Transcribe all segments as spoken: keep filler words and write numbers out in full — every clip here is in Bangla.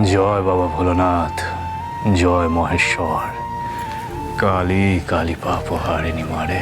জয় বাবা ভোলানাথ, জয় মহেশ্বর, কালী কালী পাপ হারিনি মারে।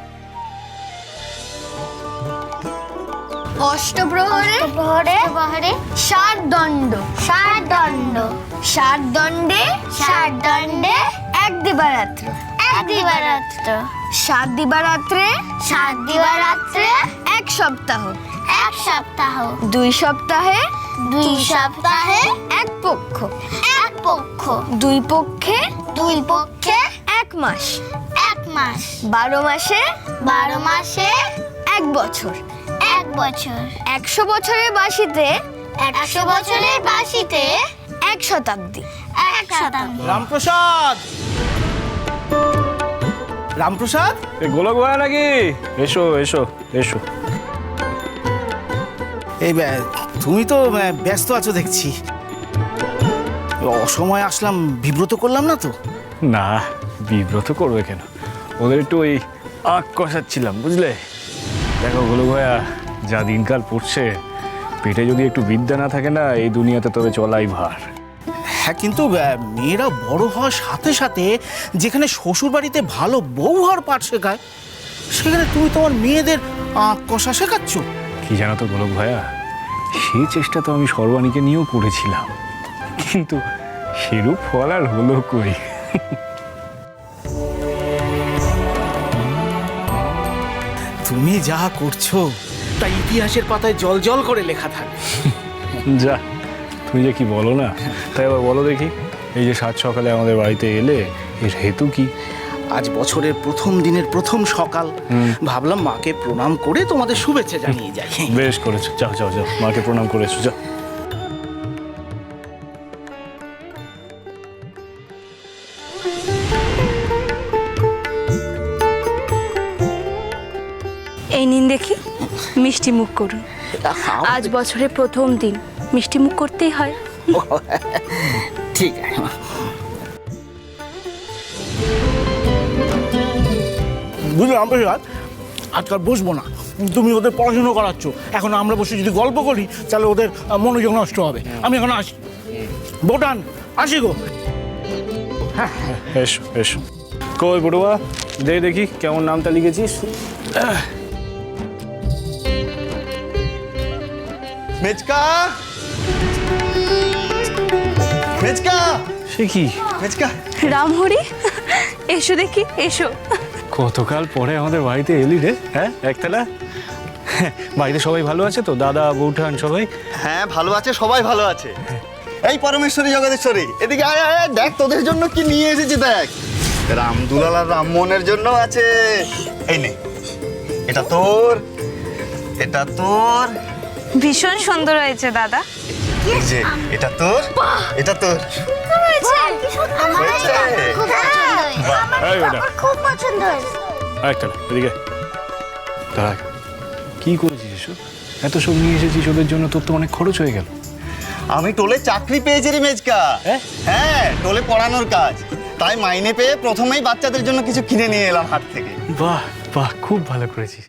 অষ্টপ্রহরে প্রহরে প্রহরে ষাট দণ্ড ষাট দণ্ড ষাট দণ্ডে ষাট দণ্ডে এক দিবারাত্র এক দিবারাত্র সাত দিবারাত্রে সাত দিবারাত্রে এক সপ্তাহ এক সপ্তাহ দুই সপ্তাহে দুই সপ্তাহে এক পক্ষ এক পক্ষ দুই পক্ষে দুই পক্ষে এক মাস এক মাস বারো মাসে বারো মাসে এক বছর এক বছর একশো বছরের বাসিতে একশো বছরের বাসিতে এক শতাব্দী এক শতাব্দী। রামপ্রসাদ, রামপ্রসাদ, এ গোলক ভাই নাকি? এসো এসো এসো। এই ব্যা- তুমি তো ব্যা- ব্যস্ত আছো দেখছি। অসময় আসলাম, বিব্রত করলাম না তো? না, বিব্রত করবে কেন? ওদের একটু ওই আঁক কষাচ্ছিলাম, বুঝলে? দেখো গোলক ভাইয়া, যা দিনকাল পড়ছে, পেটে যদি একটু বিদ্যা না থাকে না, এই দুনিয়াতে তবে চলাই ভার। হ্যাঁ, কিন্তু ব্যা, মেয়েরা বড় হওয়ার সাথে সাথে যেখানে শ্বশুর বাড়িতে ভালো বউ হওয়ার পাঠ শেখায়, সেখানে তুমি তোমার মেয়েদের আঁক কষা শেখাচ্ছ। কি জানো তো গোলক ভাইয়া, সেই চেষ্টা তো আমি সর্বাণীকে নিয়েও করেছিলাম, কিন্তু সেরূপ ফল আর হলো কই। তুমি যা করছো তা ইতিহাসের পাতায় জল জল করে লেখা থাকে। যা, তুমি যে কি বলো না, তাই আবার বলো দেখি, এই যে সাত সকালে আমাদের বাড়িতে এলে, এর হেতু কি? আজ বছরের প্রথম দিনের প্রথম সকাল, ভাবলাম মাকে প্রণাম করে তোমাদের শুভেচ্ছা জানিয়ে যাই। বেশ করেছো, যাও যাও যাও, মাকে প্রণাম করে এসো, যাও। এই নিন দেখি, মিষ্টি মুখ করুন। আজ বছরের প্রথম দিন, মিষ্টি মুখ করতেই হয়। ঠিক আছে। বুঝলাম রামপ্রসাদ, আজকাল বসবো না, তুমি ওদের পড়াশুনো করাচ্ছ, এখন আমরা বসে যদি গল্প করি তাহলে ওদের মনোযোগ নষ্ট হবে। আমি এখন আসি, বোটান আসি গো। এসো এসো। কই বড়ুয়া, দে দেখি কেমন নামটা লিখেছিস। মেচকা, মেচকা, সে কি? মেচকা। রামহরি, এসো দেখি, এসো। কতকাল পরে আমাদের বাড়িতে এলি রে, হ্যাঁ একতলা? বাড়িতে সবাই ভালো আছে তো? দাদা বৌঠান সবাই? হ্যাঁ ভালো আছে, সবাই ভালো আছে। এই পরমেশ্বরী জগদীশ্বরী, এদিকে আয় আয় আয়, দেখ তোদের জন্য কি নিয়ে এসেছি দেখ। রামদুলাল আর রামমোহনের জন্য আছে। এই নে, এটা তোর, এটা তোর, ভীষণ সুন্দর হয়েছে দাদা। এই যে এটা তোর, এটা তোর। আমার হয়েছে? খুব পছন্দ হয়েছে। এই বেটা, খুব পছন্দ হয়েছে। একতলা এদিকে দাঁড়া। কি করেছিস এসব? এত সব নিয়ে এসেছিস ওদের জন্য, তোর তো অনেক খরচ হয়ে গেল। আমি টোলে চাকরি পেয়েছি রে মেজকা। হ্যাঁ? হ্যাঁ, টোলে পড়ানোর কাজ, তাই মাইনে পেয়ে প্রথমেই বাচ্চাদের জন্য কিছু কিনে নিয়ে এলাম হাট থেকে। বাহ বাহ, খুব ভালো করেছিস।